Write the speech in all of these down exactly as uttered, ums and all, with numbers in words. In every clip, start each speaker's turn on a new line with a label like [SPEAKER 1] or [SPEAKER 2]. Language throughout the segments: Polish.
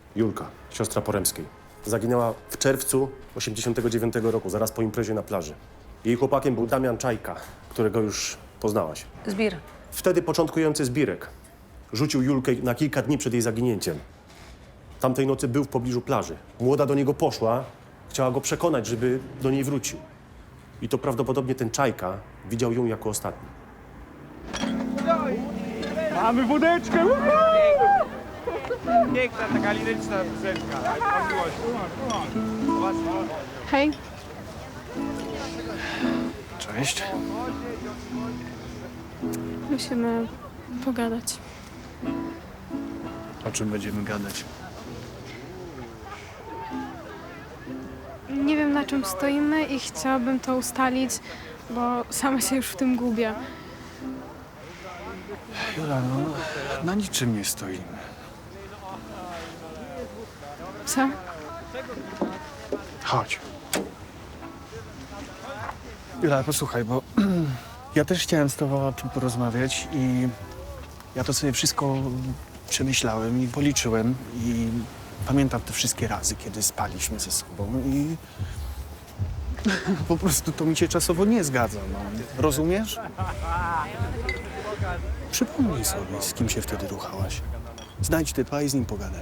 [SPEAKER 1] Julka, siostra Poremskiej. Zaginęła w czerwcu osiemdziesiątego dziewiątego roku, zaraz po imprezie na plaży. Jej chłopakiem był Damian Czajka, którego już poznałaś.
[SPEAKER 2] Zbir.
[SPEAKER 1] Wtedy początkujący Zbirek rzucił Julkę na kilka dni przed jej zaginięciem. Tamtej nocy był w pobliżu plaży. Młoda do niego poszła, chciała go przekonać, żeby do niej wrócił. I to prawdopodobnie ten Czajka widział ją jako ostatni.
[SPEAKER 3] Mamy wódeczkę! Piękna, taka liryczna piosenka. O miłości.
[SPEAKER 4] Hej,
[SPEAKER 5] Cześć.
[SPEAKER 4] musimy pogadać.
[SPEAKER 5] O czym będziemy gadać?
[SPEAKER 4] Nie wiem, na czym stoimy i chciałabym to ustalić, bo sama się już w tym gubię.
[SPEAKER 5] Jula, no, na niczym nie stoimy.
[SPEAKER 4] Co?
[SPEAKER 5] Chodź. Jula, posłuchaj, bo ja też chciałem z tobą o tym porozmawiać i ja to sobie wszystko przemyślałem i policzyłem i pamiętam te wszystkie razy, kiedy spaliśmy ze sobą i po prostu to mi się czasowo nie zgadza, no. Rozumiesz? Przypomnij sobie, z kim się wtedy ruchałaś. Znajdź typa i z nim pogadaj.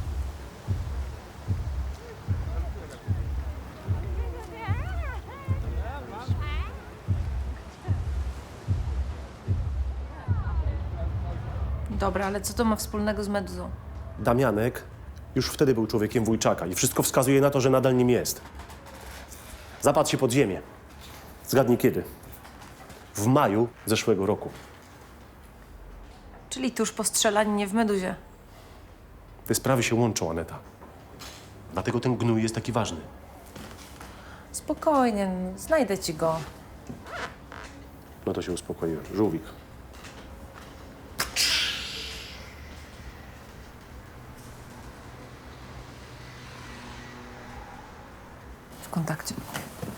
[SPEAKER 2] Dobra, ale co to ma wspólnego z Meduzą?
[SPEAKER 1] Damianek już wtedy był człowiekiem Wójczaka i wszystko wskazuje na to, że nadal nim jest. Zapadł się pod ziemię. Zgadnij kiedy? W maju zeszłego roku.
[SPEAKER 2] Czyli tuż po strzelaninie w Meduzie.
[SPEAKER 1] Te sprawy się łączą, Aneta. Dlatego ten gnój jest taki ważny.
[SPEAKER 2] Spokojnie, znajdę ci go.
[SPEAKER 1] No to się uspokoiłem. Żółwik.
[SPEAKER 2] W kontakcie.